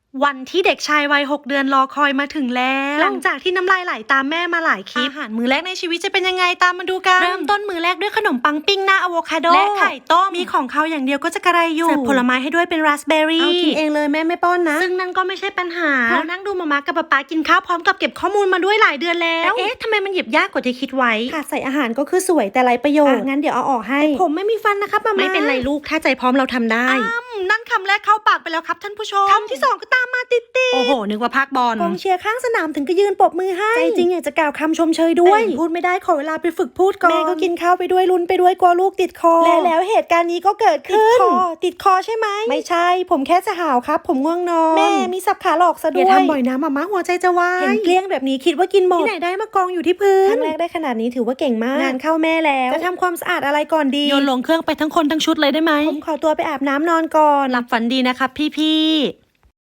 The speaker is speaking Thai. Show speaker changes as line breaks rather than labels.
วันที่เด็กชายวัย6 เดือนรอคอยมาถึงแล้วหลังจากที่น้ำลายไหลตามแม่มาหลายคลิปอาหารมื้อแรกในชีวิตจะเป็นยังไงตามมาดูกันเริ่มต้นมื้อแรกด้วยขนมปังปิ้งหน้าอะโวคาโดและไข่ต้มมีของเขาอย่างเดียวก็จะกระไรอยู่เสิร์ฟผลไม้ให้ด้วยเป็นราสเบอร์รี่เอากินเองเลยแม่ไม่ป้อนนะซึ่งนั่นก็ไม่ใช่ปัญหาเรานั่งดูมาม่ากับป๊ากินข้าวพร้อมกับเก็บข้อมูลมาด้วยหลายเดือนแล้วเอ๊ะทำไมมันหยิบยากกว่าที่คิดไว้ค่ะใส่อาหารก็คือสวยแต่ไรประโยชน์งั้นเดี๋ยวเอาออกให้ผมไม่มีฟันนะครับมาม่าไม่เป็นไรลูกถ้าใจพร้อมเราทำได้นั่นคำแรกเข้าปากไปแล้วครับท่านผู้ชมคำที่2ก็ตามมาติดโอ้โหนึกว่าภาคบอลกองเชียร์ข้างสนามถึงก็ยืนปรบมือให้ใจจริงอยากจะกล่าวคำชมเชยด้วยพูดไม่ได้ขอเวลาไปฝึกพูดก่อนแม่ก็กินข้าวไปด้วยลุ้นไปด้วยกลัวลูกติดคอแล้วเหตุการณ์นี้ก็เกิดขึ้นติดคอใช่ไหมไม่ใช่ผมแค่จะหาวครับผมง่วงนอนแม่มีสับขาหลอกซะด้วยอย่าทำบ่อยนะมาม่าหัวใจจะวายเห็นเกลี้ยงแบบนี้คิดว่ากินหมดที่ไหนได้มากองอยู่ที่พื้นครั้งแรกได้ขนาดนี้ถือว่าเก่งมากงานเข้าแม่แล้วจะทำความสะอาดอะไรก่อนดีโยนลงเครื่องไปทั้งคนทั้งชุดเลยได้ไหมผมขอตัวไปอาบน้ำนอนก่อนหลับฝันดีนะครับพี่